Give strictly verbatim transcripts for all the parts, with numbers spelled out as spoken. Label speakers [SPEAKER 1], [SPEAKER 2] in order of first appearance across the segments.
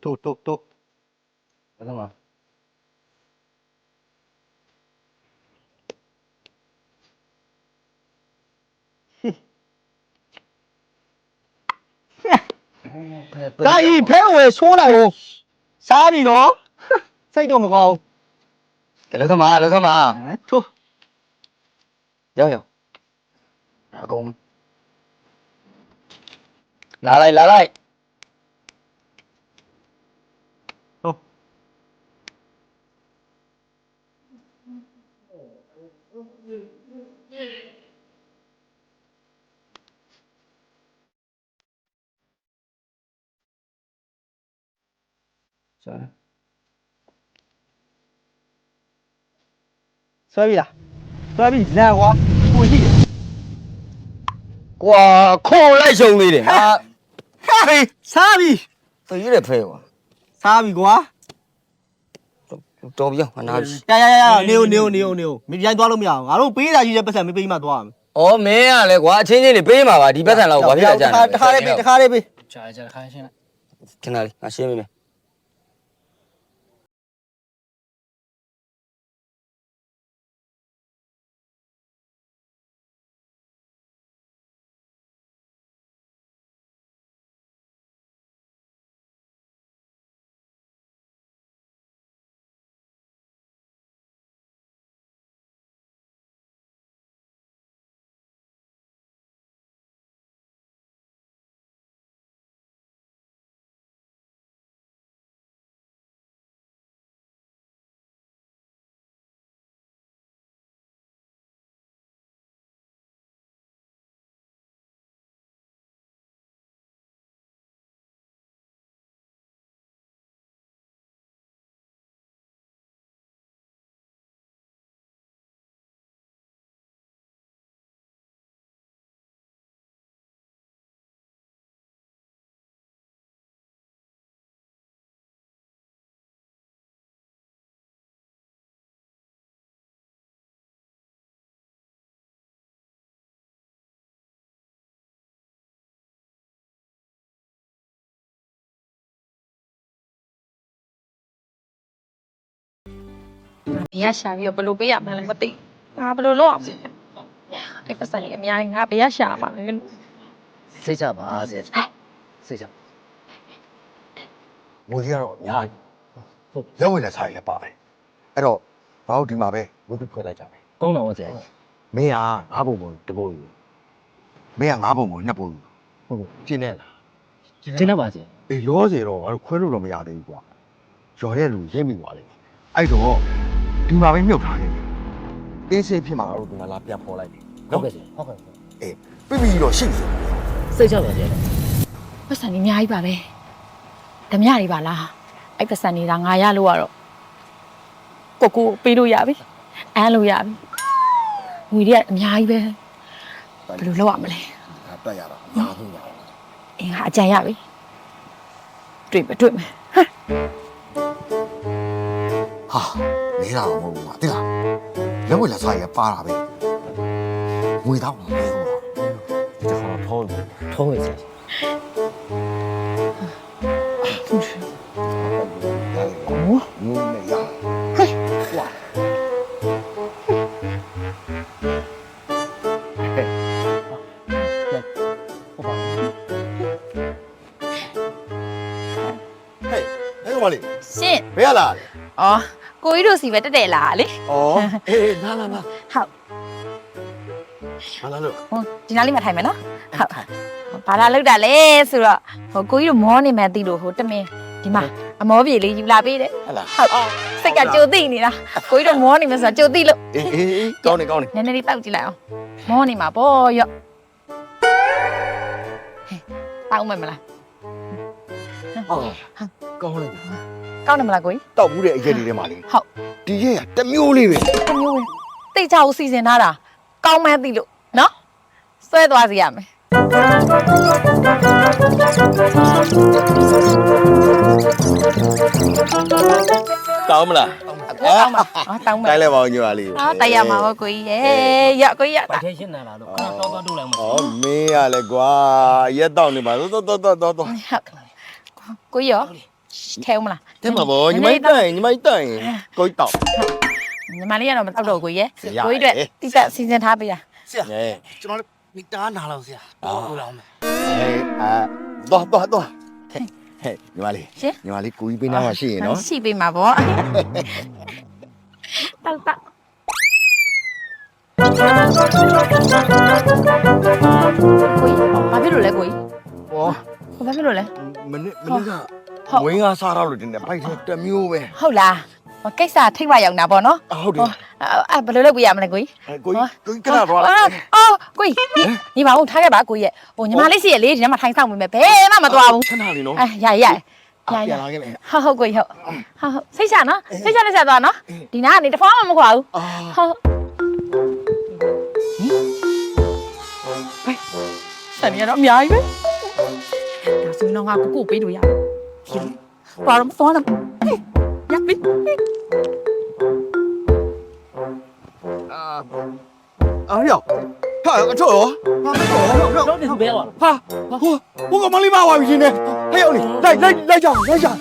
[SPEAKER 1] တို့တို့တို့ဘာလို့မဒါဤဖဲဝယ်ဆိုးလိုက်ကိုစားပြီနော်စိတ်တော့မကောင်းဘူးလည်းသမားလည်းသမားထိုးရောက်ရောက်အကုန်လာလိုက်လာလိုက်ထိုးဆွဲပြီလားဆွဲပြီလန်ကွာကိုရှိတယ်ကွာခေါ်လိုက်ရှုံသေးတယ်ဟာဟေးစားပြီသူရွေးတယ်ဖဲကွာစားပြီကွာတော်ပြီငါနာပြီရရရရနေဦးနေဦးနေဦးနေဦးမပြိုင်သွားလို့မရအောင်ငါတို့ပေးတာရှိတဲ့ပတ်စံမပေးမှသွားအောင်ဩမင်းကလည်းကွာအချင်းချင်းလေးပေးမှာပါဒီပတ်စံလောက်ဘာဖြစ်လဲကြာတခါလေးပေးတခါလေးပေးကြာကြာတခါရှင်းလိုက်ခဏလေးငါရှင်းပေးမယ်
[SPEAKER 2] ဘယ်ရရှာပြီးတော့ဘယ်လိုပေးရမှန်းလည်းမသိငါဘယ်လိုလုပ်အောင်အဲ့ပတ်စံကြီးအများကြီးငါဘယ်ရရှာမှာလဲ
[SPEAKER 1] စိတ်ချပါစေစိတ်ချငွေကြီးကတော့အများကြီးဟုတ်လက်ဝင်လက်စားရပါတယ်အဲ့တော့ဘာလို့ဒီမှာပဲဝတ်ဖွဲ့လိုက်ကြမယ်
[SPEAKER 3] ကောင်းတော့ဆရာ
[SPEAKER 1] မင်းကငါးပုံပုံတပုံယူမင်းကငါးပုံပုံနှစ်ပုံယူ
[SPEAKER 3] ဟုတ်
[SPEAKER 1] ကျင်းနေလား
[SPEAKER 3] ကျင်းနေပါစေ
[SPEAKER 1] အေးလောစေတော့ငါတို့ခွဲလို့တော့မရသေးဘူးကွာရော်တဲ့လူရင်းမိသွားတယ်အဲ့တော့ဒီမှာပဲမြုပ်ထားခဲ့ပြီတင်းစိတ်ဖြစ်မှာတော့ဒီမှာလာပြန်ပေါ်လိုက်ပြီ
[SPEAKER 3] ဟုတ်ကဲ့ဟုတ်ကဲ့
[SPEAKER 1] အေးပြပြီးတော့ရှိနေ
[SPEAKER 3] စိတ်ချပါစေ
[SPEAKER 2] ပတ်စံကြီးအများကြီးပါပဲဓမြတွေပါလားအဲ့ပတ်စံနေတာငါရလို့ရတော့ကိုကိုပေးလို့ရပြီအမ်းလို့ရပြီငွေတွေကအများကြီးပဲဘယ်လိုလုပ်ရမလဲ
[SPEAKER 1] ငါတက်ရတာအများကြီးပါ
[SPEAKER 2] အင်းငါအကြံရပြီတွေ့မတွေ့မယ်
[SPEAKER 1] ဟာနေတာမဟုတ်ဘူးကွာတိလားလက်ဝက်လက်စားရပါတာပဲငွေတော့မပေးဘူး
[SPEAKER 3] ဒီခါထောင်းထောင်းရစေ
[SPEAKER 1] 哦，嗯，没呀，嘿，哇，嘿，我帮你。嘿，那个嘛哩？
[SPEAKER 2] 信。
[SPEAKER 1] 不要啦。
[SPEAKER 2] 哦，ကိုကြီးတို့စီပဲတက်တယ်လားလေ
[SPEAKER 1] 哦，哎，拿拿拿。
[SPEAKER 2] ဟုတ်
[SPEAKER 1] 拿拿了。
[SPEAKER 2] ဟိုဒီနားလေးမှာထိုင်မယ်နော်ဟုတ်ဘာလာလောက်တာလဲဆိုတော့ဟိုကိုကြီးတို့မောနေမှသိလို့ဟိုတမင်ဒီမှာအမောပြေလေးယူလာပေးတယ်
[SPEAKER 1] ဟုတ်လား
[SPEAKER 2] ဟုတ်စိတ်ကကြိုသိနေတာကိုကြီးတို့မောနေမှဆိုတော့ကြိုသိလို့
[SPEAKER 1] အေးအေးကောင်းနေကောင်းနေ
[SPEAKER 2] နည်းနည်းလေးတောက်ကြည့်လိုက်အောင်မောနေမှာပေါ့ရော့ဟဲ့တောက်မယ်မလား
[SPEAKER 1] ဟုတ်ကောင်းနေ
[SPEAKER 2] ကောင်းတယ်မလားကိုကြီး
[SPEAKER 1] တောက်ဘူးတဲ့အရက်လေးထဲမှာလေ
[SPEAKER 2] ဟုတ်
[SPEAKER 1] ဒီရက်ရတမျိုးလေးပဲ
[SPEAKER 2] တမျိုးပဲတိတ်ချအောင်စီစဉ်ထားတာကောင်းမှန်းသိလို့နော်ဆွဲသွားစီရမယ်
[SPEAKER 1] တောင်းမလား
[SPEAKER 2] တောင်းပါဟာတောင်းပါ
[SPEAKER 1] တိုင်းလဲပါဦးညီမလေး
[SPEAKER 2] ဟာတိုက်ရမှာပေါ့ကိုကြီးရေရကိုကြီးရ
[SPEAKER 3] ပိုက်ထဲရှင်းနေတာလို့ခဏတော့တော့တို့လိုက်မှာ
[SPEAKER 1] ဩမင်းရလဲကွာရက်တော့နေပါတော့တော့တော့တော့တော့
[SPEAKER 2] ကိုကြီးရောထဲဦးမလား
[SPEAKER 4] တဲ့မှာဗောညီမတိုင်ညီမတိုင်ကိုကြီးတောက်
[SPEAKER 2] ညီမလေးကတော့မတောက်တော့ကိုကြီးရဲ့
[SPEAKER 4] ရ
[SPEAKER 2] ကိုကြီးအတွက်တိကျစီစဉ်ထားပေးတာ
[SPEAKER 3] ဆရာ
[SPEAKER 4] ဟဲ့
[SPEAKER 3] ကျွန်တော်မိသားနာလောက်ဆရာတော့လို့လောက်မယ်
[SPEAKER 4] ဟဲ့အာတော့တော့တော့ဟဲ့ညီမလေး
[SPEAKER 2] ရှင်
[SPEAKER 4] ညီမလေးကိုကြီးပေးနာမှာရှိရင်နော်
[SPEAKER 2] ရှိပေးမှာပေါ့တောက်တောက်ကိုကြီးဘာဖြစ်လို့လဲကိုကြီး
[SPEAKER 4] ဟော
[SPEAKER 2] ဘာဖြစ်လို့လဲ
[SPEAKER 4] မနစ်မနစ်ကဝင်းကစားတော့လို့တင်တယ်ဘိုက်ထဲတစ်မျိုးပဲ
[SPEAKER 2] ဟုတ်လားဟိုကိစ္စထိတ်ဝရောက်တာပေါ့နော်
[SPEAKER 4] ဟုတ်တယ်
[SPEAKER 2] အဲ့ဘယ်လိုလုပ်ပြရမလဲကိုကြီး
[SPEAKER 4] ကိုကြီးကိုကြီးကနာတော့လား
[SPEAKER 2] အော်ကိုကြီးညီမအောင်ထားခဲ့ပါကိုကြီးရဲ့ဟိုညီမလေးစီရဲ့လေဒီထဲမှာထိုင်ဆောင်နေမယ်ဘယ်မှမသွားဘူး
[SPEAKER 4] ခဏလေးနော်
[SPEAKER 2] အဲရရရရ
[SPEAKER 4] ပြန်လာခဲ့မယ်
[SPEAKER 2] ဟုတ်ဟုတ်ကိုကြီးဟုတ်ဟုတ်ဟုတ်စိတ်ချနော်စိတ်ချနဲ့ဆက်သွားနော်ဒီနားကနေတဖွားမှမခွာဘူး
[SPEAKER 4] အာ
[SPEAKER 2] ဟုတ်ဆန်ရတော့အများကြီးပဲဒါဆိုတော့ငါကိုကိုပေးလို့ရပြီပါတော့သွားတော့ရပြီ
[SPEAKER 4] အာရောက်ဟာအထောက်ရောဟာတော့တော့
[SPEAKER 3] တော့ဒီဘဲပါ
[SPEAKER 4] ဟာဟိုဟိုကမလေးပါဝါပြီရှင်နေဟဲ့အောင်လေလိုက်လိုက်လိုက်ကြလိုက်ကြ
[SPEAKER 3] ဟေး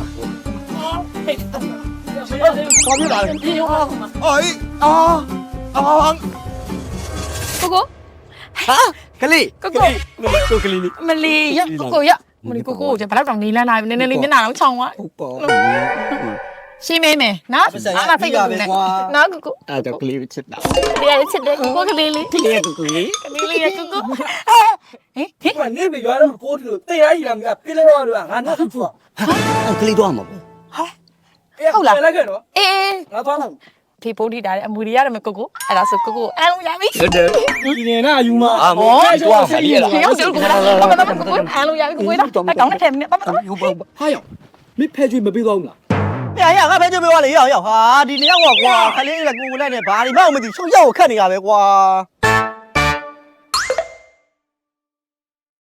[SPEAKER 4] ဘာ
[SPEAKER 3] ဘာ
[SPEAKER 4] ဖြစ်လာလဲ
[SPEAKER 3] ဒီရော
[SPEAKER 4] အေးအာအာ
[SPEAKER 2] ကိုကို
[SPEAKER 4] ဟာကလေး
[SPEAKER 2] ကိုကို
[SPEAKER 4] ကိုကလေးလေး
[SPEAKER 2] မလီရကိုကိုရမလီကိုကိုကျဘယ်တော့တောင်နေလန်းလာနည်းနည်းလေးမျက်နှာတော့ချောင်းသွား
[SPEAKER 4] ဟုတ်ပါ
[SPEAKER 2] ရှင်းမေးမယ်နော်အားမစိတ်ကူနဲ့နော်ကိုကို
[SPEAKER 4] အဲ့တော့ကလေးချစ်တာ
[SPEAKER 2] တရားချစ်တယ်ကိုကိုကလေးလေး
[SPEAKER 4] ကလေးကကလေး
[SPEAKER 2] ကလေးလေးကိုကိုဟဲ့ဟဲ့
[SPEAKER 5] ဘာနေပြီရွာတော့ပိုးတယ်လို့တရားကြီးလာမကပြလဲတော့လို့ငါနောက်ဖူး
[SPEAKER 3] ကလေးတော့မှာပေါ့
[SPEAKER 5] ဟုတ်လားလိုက်ခဲ့တော့
[SPEAKER 2] အေး
[SPEAKER 5] ငါသွားတော့
[SPEAKER 2] ဖေပိုးထိတာတဲ့အမူတွေရတယ်မကိုကိုအဲ့ဒါဆိုကိုကိုအမ်းလို့ရပြီ
[SPEAKER 4] ဟုတ်တယ်
[SPEAKER 5] ဒီနေနာယူမ
[SPEAKER 4] အာမောတော့မလေးလား
[SPEAKER 2] ရောက်တယ်ကိုကိုဘာမှမကိုကိုအမ်းလို့ရပြီကိုကိုတော့တောင်းတဲ့ထဲနဲ့ဘာမှမ
[SPEAKER 4] ဟုတ်ပါ
[SPEAKER 5] ဟာယောမင်းဖဲကျွေးမပေးတော့ဘူးလား
[SPEAKER 1] ။ရရငါပဲကြွပြောလေရောက်ရောက်ဟာဒီနှစ်ယောက်ကကွာခလေးကကိုကိုလိုက်နေဘာဒီမှမသိချုပ်ရောက်ခတ်နေရပဲကွာ။